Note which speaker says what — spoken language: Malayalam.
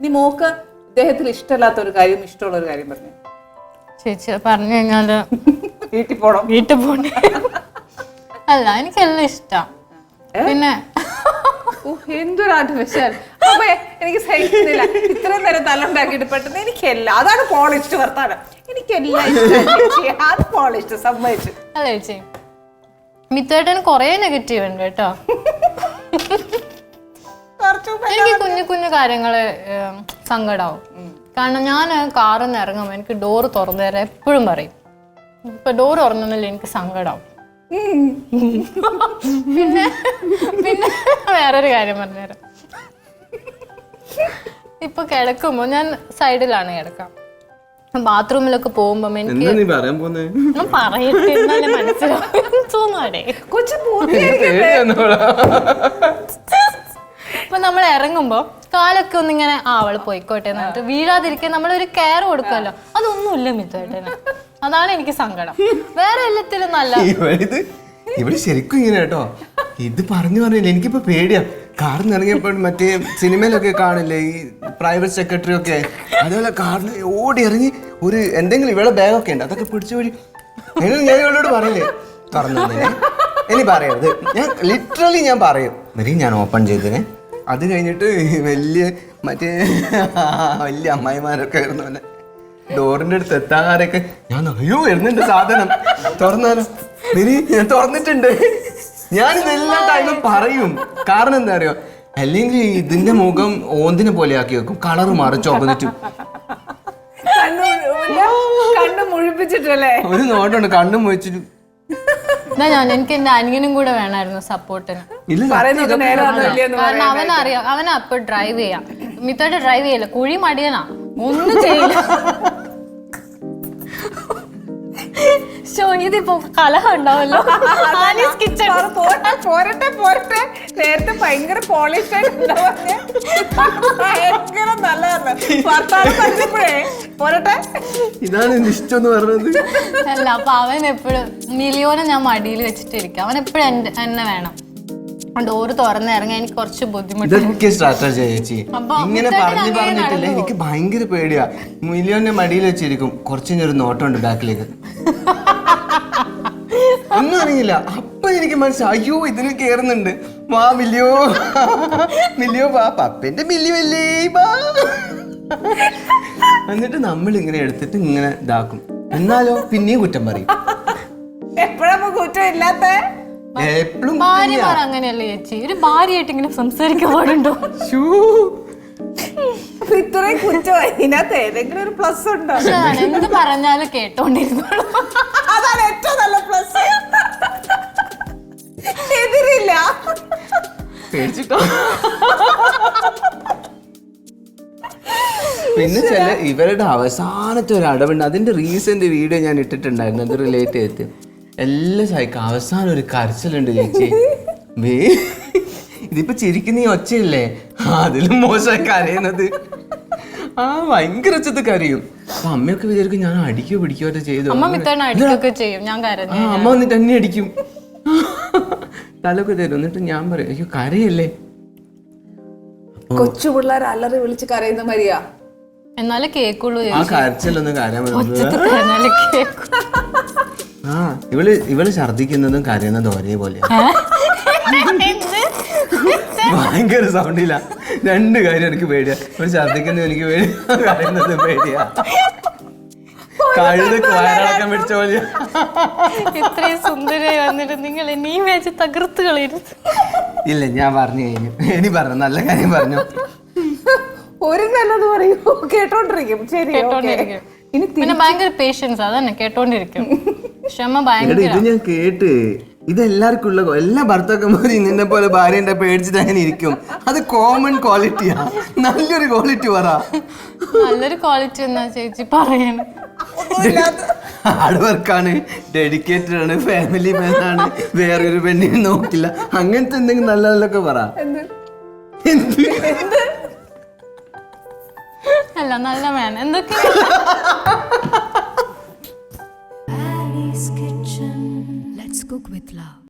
Speaker 1: നീ മോക്ക് ഇദ്ദേഹത്തിൽ ഇഷ്ടമല്ലാത്ത ഒരു കാര്യം ഇഷ്ടമുള്ള ഒരു കാര്യം പറഞ്ഞു.
Speaker 2: ചേച്ചി പറഞ്ഞു കഴിഞ്ഞാല്
Speaker 1: വീട്ടിൽ പോണം.
Speaker 2: അല്ല എനിക്കെല്ലാം ഇഷ്ടം. പിന്നെ
Speaker 1: എന്തൊരു ആർട്ടിഫിഷ്യൽ. അപ്പൊ എനിക്ക് സഹിക്കുന്നില്ല ഇത്രയും നേരം തലമുണ്ടാക്കിയിട്ട് പെട്ടെന്ന് എനിക്കെല്ലാം അതാണ് പോളിഷ്ഡ് വർത്താനം. എനിക്കെല്ലാം ഇഷ്ടം. അത് പോളിഷ്ഡ് സമ്മതിച്ചു.
Speaker 2: അല്ല ചേച്ചി മിത്തുവേട്ടന് കൊറേ നെഗറ്റീവ് ഉണ്ട് കേട്ടോ. എനിക്ക് കുഞ്ഞു കുഞ്ഞു കാര്യങ്ങള് സങ്കടാവും. കാരണം ഞാൻ കാറിൽ നിന്ന് ഇറങ്ങുമ്പോൾ എനിക്ക് ഡോറ് തുറന്നു തരാൻ എപ്പോഴും പറയും. ഇപ്പൊ ഡോറ് തുറന്നില്ല എനിക്ക് സങ്കടാവും. പിന്നെ പിന്നെ വേറൊരു കാര്യം പറഞ്ഞുതരാം. ഇപ്പൊ കിടക്കുമ്പോ ഞാൻ സൈഡിലാണ് കിടക്കാം. ബാത്റൂമിലൊക്കെ പോകുമ്പോ എനിക്ക് പറയട്ടെ എന്നാലേ മനസ്സിലാവും തോന്നുവാടേ. ഇപ്പൊ നമ്മൾ ഇറങ്ങുമ്പോ കാലൊക്കെ ഒന്നിങ്ങനെ അവള് പോയിക്കോട്ടെ എന്നിട്ട് വീഴാതിരിക്കാൻ നമ്മളൊരു കെയർ കൊടുക്കുമല്ലോ. അതൊന്നുമില്ല മിത്തുവേട്ടന്. അതാണ് എനിക്ക് സങ്കടം. വേറെ എല്ലാത്തിലും നല്ല
Speaker 3: ഇവിടെ ശരിക്കും ഇങ്ങനെ കേട്ടോ. ഇത് പറഞ്ഞു പറഞ്ഞില്ല എനിക്കിപ്പോ പേടിയാ. കാറിൽ നിന്ന് ഇറങ്ങിയപ്പോൾ മറ്റേ സിനിമയിലൊക്കെ കാണില്ലേ ഈ പ്രൈവറ്റ് സെക്രട്ടറി ഒക്കെ, അതേപോലെ കാറിൽ ഓടി ഇറങ്ങി ഒരു എന്തെങ്കിലും ഇവിടെ ബാഗൊക്കെ ഉണ്ട് അതൊക്കെ പിടിച്ചു പോയി. ഞാൻ ഇവളോട് പറയില്ലേ തുറന്നു ഇനി പറയരുത്. ഞാൻ ലിറ്ററലി ഞാൻ പറയും വരി ഞാൻ ഓപ്പൺ ചെയ്തതിനെ. അത് കഴിഞ്ഞിട്ട് വലിയ അമ്മായിമാരൊക്കെ ആയിരുന്നു അല്ലെ ഡോറിന്റെ അടുത്ത് എത്താറൊക്കെ ഞാൻ അയ്യോ വരുന്നുണ്ട് സാധനം തുറന്നാലോ വരി ഞാൻ തുറന്നിട്ടുണ്ട്. ഞാൻ ഇതെല്ലാം ടൈമും പറയും. കാരണം എന്താ അറിയോ, അല്ലെങ്കിൽ ഇതിന്റെ മുഖം ഓന്തിനെ പോലെ ആക്കി വെക്കും. കളറ് മാറും ചോപ്പന്നിട്ട്
Speaker 1: കണ്ണു മുഴിപ്പിച്ചിട്ടല്ലേ
Speaker 3: ഒരു നോട്ടുണ്ട് കണ്ണു മുഴിച്ചിട്ട്.
Speaker 2: എനിക്ക് എന്റെ അനിയനും കൂടെ വേണമായിരുന്നു സപ്പോർട്ടിന്. കാരണം അവനറിയാം, അവനാ അപ്പൊ ഡ്രൈവ് ചെയ്യാം. മിത്തോട്ട് ഡ്രൈവ് ചെയ്യില്ല, കുഴി മടിയനാ, ഒന്നും ചെയ്യില്ല. ഇതിപ്പോ കലഹം ഉണ്ടാവല്ലോ.
Speaker 1: പോരട്ടെ നേരത്തെ ഭയങ്കര പോളിഷ് ഭയങ്കര നല്ലതാണ് വർത്താനം പറഞ്ഞപ്പോഴേ പോരട്ടെ.
Speaker 3: ഇതാണ് എന്റെ ഇഷ്ടം എന്ന് പറഞ്ഞത്.
Speaker 2: അല്ല അപ്പൊ അവൻ എപ്പോഴും മിലിയോനെ ഞാൻ മടിയിൽ വെച്ചിട്ടിരിക്കും. അവൻ എപ്പോഴും എന്നെ വേണം. ഡോറ് തുറന്ന് ഇറങ്ങാൻ എനിക്ക് കുറച്ച് ബുദ്ധിമുട്ട്.
Speaker 3: സ്ട്രാറ്റജി ചേച്ചി ഇങ്ങനെ പറഞ്ഞിട്ടില്ല. എനിക്ക് ഭയങ്കര പേടിയാ. മിലിയോന്റെ മടിയിൽ വെച്ചിരിക്കും. കുറച്ചൊരു നോട്ടമുണ്ട് ബാക്കിലേക്ക് ഒന്നും അറിയില്ല. അപ്പൊ എനിക്ക് മനസ്സിലായി അയ്യോ ഇതിന് കേറുന്നുണ്ട്. വാ മില്ലിയോ മില്ലിയോ വാ പപ്പന്റെ മില്ലിയല്ലേ വാ. എന്നിട്ട് നമ്മൾ ഇങ്ങനെ എടുത്തിട്ട് ഇങ്ങനെ ഇതാക്കും. എന്നാലോ പിന്നെയും കുറ്റം പറയും.
Speaker 1: എപ്പോഴാ കുറ്റം ഇല്ലാത്ത
Speaker 3: എപ്പോഴും
Speaker 2: ഭാര്യമാർ അങ്ങനെയല്ലേ ചേച്ചി? ഒരു ഭാര്യയായിട്ട് ഇങ്ങനെ സംസാരിക്കാൻ പാടുണ്ടോ?
Speaker 1: ഇത്രയും കുറ്റം ഇതിനകത്ത് ഏതെങ്കിലും ഒരു പ്ലസ് ഉണ്ടോ?
Speaker 2: എന്ത് പറഞ്ഞാലും കേട്ടോണ്ടിരുന്നോളൂ.
Speaker 1: അതാണ് ഏറ്റവും നല്ല പ്ലസ്. എതിരില്ല.
Speaker 3: പേടിച്ചിട്ടോ. പിന്നെ ചില ഇവരുടെ അവസാനത്തെ ഒരു അടവുണ്ട്. അതിന്റെ റീസെന്റ് വീഡിയോ ഞാൻ ഇട്ടിട്ടുണ്ടായിരുന്നു. അത് റിലേറ്റ് ചെയ്തിട്ട് എല്ലാം സഹിക്കും. അവസാനം ഒരു കരച്ചിലുണ്ട് ചേച്ചി. ഇതിപ്പോ ചിരിക്കുന്ന ഈ ഒച്ചയില്ലേ അതിലും മോശമായി കരയുന്നത്. ഭയങ്കര ഒച്ചത്ത് കരയും. അപ്പൊ അമ്മയൊക്കെ വിചാരിക്കും ഞാൻ അടിക്കോ പിടിക്കോ ചെയ്തു.
Speaker 2: അമ്മ
Speaker 3: വന്നിട്ട് എന്നെ അടിക്കും, തലൊക്കെ തരും. എന്നിട്ട് ഞാൻ പറയും അയ്യോ കരയല്ലേ.
Speaker 1: കൊച്ചു പിള്ളേർ അലറി വിളിച്ച് കരയുന്ന മരിയാ.
Speaker 2: എന്നാലേ കേക്കുള്ളൂ.
Speaker 3: ആ കരച്ചിലൊന്നും കരയാൻ ഇവള് ഛർദിക്കുന്നതും കരയുന്നതും ഒരേപോലെയാണ്. ഭയങ്കര സൗണ്ടില്ല. രണ്ട് കാര്യം എനിക്ക് പേടിയാ. ഒരു ഛർദിക്കുന്നത് എനിക്ക് പേടിയാ, കരയുന്നത് പേടിയാ. കഴുത വയറിളക്കം പിടിച്ച പോലെയാ.
Speaker 2: ഇത്രയും സുന്ദരമായി വന്നിട്ട് നിങ്ങൾ നീ വെച്ച് തകർത്ത് കളയരുത്.
Speaker 3: ഇല്ല ഞാൻ പറഞ്ഞു കഴിഞ്ഞു. ഇനി പറഞ്ഞു നല്ല കാര്യം പറഞ്ഞു.
Speaker 1: ഒരു നല്ലത് പറയൂ കേട്ടോണ്ടിരിക്കും. ശരി
Speaker 2: പിന്നെ ഭയങ്കര പേഷ്യൻസ് അതന്നെ കേട്ടോണ്ടിരിക്കും. ക്ഷമ ഭയങ്കര.
Speaker 3: ഇത് ഞാൻ കേട്ട് ഇതെല്ലാവർക്കും ഉള്ള എല്ലാ ഭർത്താക്കന്മാരും നിന്നെ പോലെ ഭാര്യന്റെ പേടിച്ചിട്ട് അങ്ങനെ ഇരിക്കും. അത് കോമൺ ക്വാളിറ്റിയാ. നല്ലൊരു ക്വാളിറ്റി പറ.
Speaker 2: നല്ലൊരു ക്വാളിറ്റി എന്നാ ചേച്ചി പറയണം.
Speaker 3: ഹാർഡ് വർക്കാണ്, ഡെഡിക്കേറ്റഡ് ആണ്, ഫാമിലി മാൻ ആണ്, വേറൊരു പെണ്ണിനെ നോക്കില്ല, അങ്ങനത്തെ എന്തെങ്കിലും നല്ല നല്ലൊക്കെ പറ.
Speaker 2: അല്ല നല്ല മാൻ എന്തൊക്കെ.
Speaker 4: Ali's Kitchen. Let's cook with love.